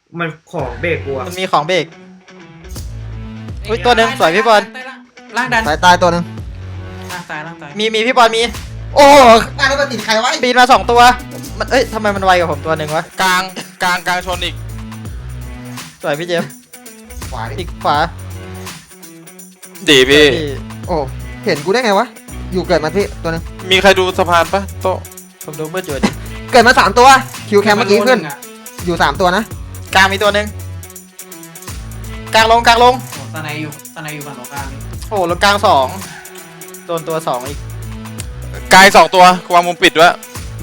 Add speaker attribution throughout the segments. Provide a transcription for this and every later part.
Speaker 1: มันของเบรกกูอะ
Speaker 2: มันมีของเบรก อุ๊ยตัวหนึ่งสวยพี่บอล
Speaker 3: ล่างดัน
Speaker 4: ตายตัวหนึ่ง
Speaker 3: ล่างตายล่างตาย
Speaker 2: มีพี่บอลมี
Speaker 4: โอ้ตายแล้วมันติดใครไว้
Speaker 2: ปีนมา2ตัวมันทำไมมันไวกว่าผมตัวหนึ่งวะ
Speaker 5: กลางชนอีก
Speaker 2: สวยพี่เจมส์
Speaker 4: ขวาดิ
Speaker 2: อีกขวา
Speaker 5: ดีพี่
Speaker 4: โอ้เห็นกูได้ไงวะอยู่เกิดมาพี่ตัวหนึง
Speaker 5: มีใครดูสะพานปะโตะ
Speaker 2: ผมดูมืดอยู่ดิ
Speaker 4: เกิดมา3ตัวคิวแคมเมื่อกี้ขึ้นอยู่3ตัวนะ
Speaker 2: กลางมีตัวหนึ่งกลางลง
Speaker 3: โอ้ตาในอยู่ฝั่งตรงข้ามนี่
Speaker 2: โอ้แล้วกลาง2โดนตัว2อีก
Speaker 5: กาย2ตัววางมุมปิดด้วย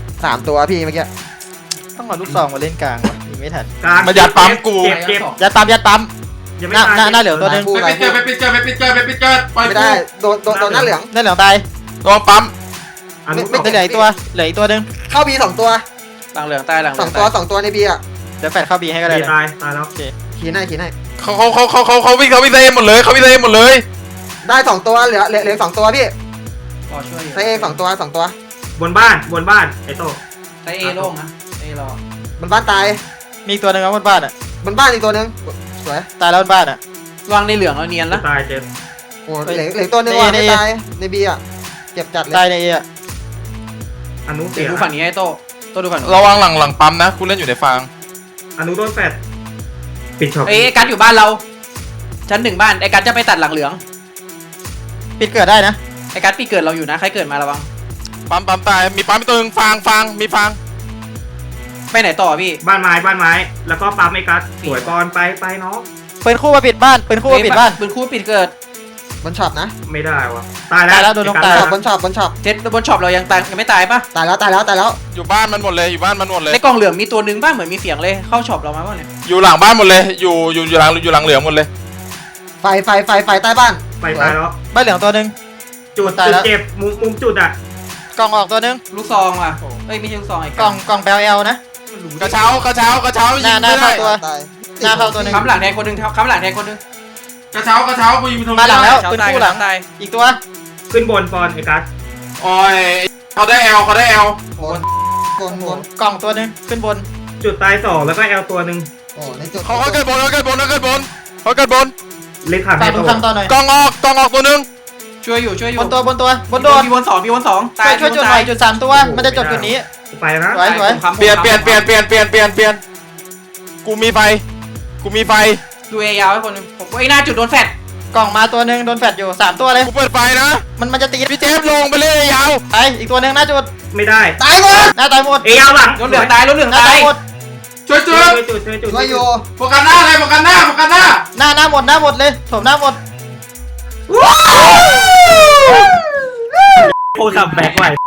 Speaker 4: 3ตัวพี่เมื่อกี้
Speaker 2: ต้องเอาลูกซองมาเล่นกลางวะยิงไม่ทัน
Speaker 1: กลาง
Speaker 5: มันยัดปั๊มกู
Speaker 1: เจ็บเจ็บ
Speaker 2: ยัดปั๊ม
Speaker 1: ยังไม่
Speaker 2: หน้าเหลืองตัวหนึ่ง
Speaker 4: คู่
Speaker 5: ไป
Speaker 4: ไร
Speaker 5: ปิดเกิดไปปิดเกิดไปปิดเกิดไปปิดเกิดปล่อย
Speaker 4: ไม่
Speaker 5: กู
Speaker 4: ได้โดนหน้าเหลือง
Speaker 2: นั่นเหลืองตาย
Speaker 5: ระวังปั๊ม
Speaker 1: อันนู้น
Speaker 4: ไม่
Speaker 2: เหลืออีกตัวหนึ่ง
Speaker 4: เข้าบี2ตัว
Speaker 3: หลังเหลืองตายหลังเหลือง
Speaker 4: 2ตัวในบีอ่ะ
Speaker 2: เดี๋ยวแฟดเข้าบีให้ก็ได้
Speaker 1: ดี
Speaker 2: นะ
Speaker 1: ตายแล้ว
Speaker 4: ขี่ให้
Speaker 5: เขาวิ่งเซหมดเลยเขาวิ่งเซหมดเลย
Speaker 4: ได้2ตัวเหลือ2ตัวพี่
Speaker 3: พอช่วยอยู่
Speaker 4: ใช้เอง2ตัว
Speaker 1: บนบ้านไอ้โต
Speaker 3: ใช้เอโล่งนะเอรอ
Speaker 4: มันบ้านตาย
Speaker 2: มีอีกตัวหนึ่งครับบนบ้านอ่ะ
Speaker 4: มันบ้านอีกตัวหนึงสวย
Speaker 2: ตายแล้วบนบ้านอ่ะ
Speaker 3: วางในเหลืองแล้วเนียนละ
Speaker 1: ตายเจ็บ
Speaker 4: โอ้เหลือตัวหนึงว่ะ
Speaker 2: ใน
Speaker 4: ไม่ตายในบีอ่ะเจ็บจัดเลย
Speaker 2: ตายในเออะ
Speaker 1: อันนู้นเสี
Speaker 3: เดี๋ย
Speaker 1: ยว
Speaker 3: ดูฝั่งนี้ให้โตดูฝั่งนู้น
Speaker 5: ระวังหลังปั๊มนะกูเล่นอยู่ในฟาง
Speaker 1: อันนู้นโดนแฟดปิดช็อป
Speaker 3: ไอ้กัดอยู่บ้านเราชั้น1บ้านไอ้กัดจะไปตัดหลังเหลือง
Speaker 2: ปิดเกิดได้นะ
Speaker 3: ไอ้กัดปีเกิดเราอยู่นะใครเกิดมาระวัง
Speaker 5: ปั๊มตายมีปั๊มตัวนึงฟางมีฟาง
Speaker 3: ไปไหนต่อพี่
Speaker 1: บ้านไม้แล้วก็ปั๊มไอ้กัสสวยก่อนไปน้อง
Speaker 2: ปืนคู่มาปิดบ้านปืนคู่มาปิดบ้าน
Speaker 3: ปืนคู่ปิดเกิด
Speaker 4: บนช็อปนะ
Speaker 1: ไม่ได้วะตายแล้ว
Speaker 2: ตายแล้วโดนน้องตาย
Speaker 4: บนช็อป
Speaker 3: เจ็ดบนช็อปเรายังตายยังไม่ตายปะ
Speaker 4: ตายแล้ว
Speaker 5: อยู่บ้านมันหมดเลยอยู่บ้านมันหมดเลย
Speaker 3: ในกล่องเหลืองมีตัวหนึ่งบ้างเหมือนมีเสียงเลยเข้าช็อปเรามาป่ะเนี่ย
Speaker 5: อยู่หลังบ้านหมดเลยอยู่หลังเหลืองหมดเลย
Speaker 4: ไฟใต้บ้าน
Speaker 1: ไปตายแล้ว
Speaker 2: บ้านเหลืองตัวหนึ่ง
Speaker 1: จุด
Speaker 2: ตายแล้ว
Speaker 1: เจ็บมุมจุดอ่ะ
Speaker 2: กล่องออกตัวหนึ่ง
Speaker 3: ลูกซองว่ะเอ้ยไม่ใช่ลูกซองไอ้
Speaker 2: กล่องแปลเอลนะ
Speaker 5: กระเช้า
Speaker 2: หน้า
Speaker 5: ยิงไม่
Speaker 2: เข้า
Speaker 5: ได้
Speaker 2: ตัว
Speaker 4: ตาย
Speaker 2: หน้าเข้าตัวหนึ่ง
Speaker 3: ค้ำหลังแทนคนหนึ่งค้ำหลังแทนคนหนึ่ง
Speaker 5: กระเช้ากูยิงไปตรง
Speaker 2: มาหลังแล้ว
Speaker 3: เช้า
Speaker 2: ปืน
Speaker 3: ตาย
Speaker 2: คู่หลัง
Speaker 3: ตาย
Speaker 2: อีกตัว
Speaker 1: ขึ้นบนปอนไอ้กัส
Speaker 5: โอ้ยเขาได้แอล
Speaker 4: บน
Speaker 2: กล่องตัวหนึ่งขึ้นบน
Speaker 1: จุดตาย2แล้วก็แอลตัวหนึ่ง
Speaker 4: โอ้ในจุด
Speaker 5: เขาเกิดบนเขาเกิดบน
Speaker 1: เล็กขาด
Speaker 2: ตา
Speaker 1: ให้
Speaker 2: ม
Speaker 1: โต
Speaker 2: คำต่อหน่อย
Speaker 5: กองออกตัวนึง
Speaker 3: ช่วยอยู่
Speaker 2: บนโดน
Speaker 3: มีบนสอง
Speaker 2: ช่วยจุดหน่อยจุด3ตัวมันจะจบจุดนี้
Speaker 1: ไปนะ
Speaker 2: สวย
Speaker 5: เปลี่ยนกูมีไฟ
Speaker 3: ดูเอยาวให้คนหนึ่งผมไอ้หน้าจุดโดนแฟด
Speaker 2: กล่องมาตัวหนึ่งโดนแฟดอยู่3ตัวเลย
Speaker 5: กูเปิดไฟนะ
Speaker 2: มันจะตี
Speaker 5: พี่เจมส์ลงไปเลยยาว
Speaker 2: ไปอีกตัวหนึ่งหน้าจุด
Speaker 1: ไม่ได้
Speaker 4: ตายหมด
Speaker 2: หน้าตายหมด
Speaker 1: เอยาวหลัง
Speaker 3: รถเหลืองตายรถเหลือง
Speaker 2: หน้า
Speaker 3: ตา
Speaker 2: ตาย
Speaker 3: ย
Speaker 2: หมด
Speaker 5: ช่วย
Speaker 1: ช่วยจุด
Speaker 4: ช่วยอยู่
Speaker 5: โฟกัสหน้าเลยโฟกัสหน้า
Speaker 2: หน้าหมดเลยโถมหน้าหมด
Speaker 1: โคตรขับแบกไหว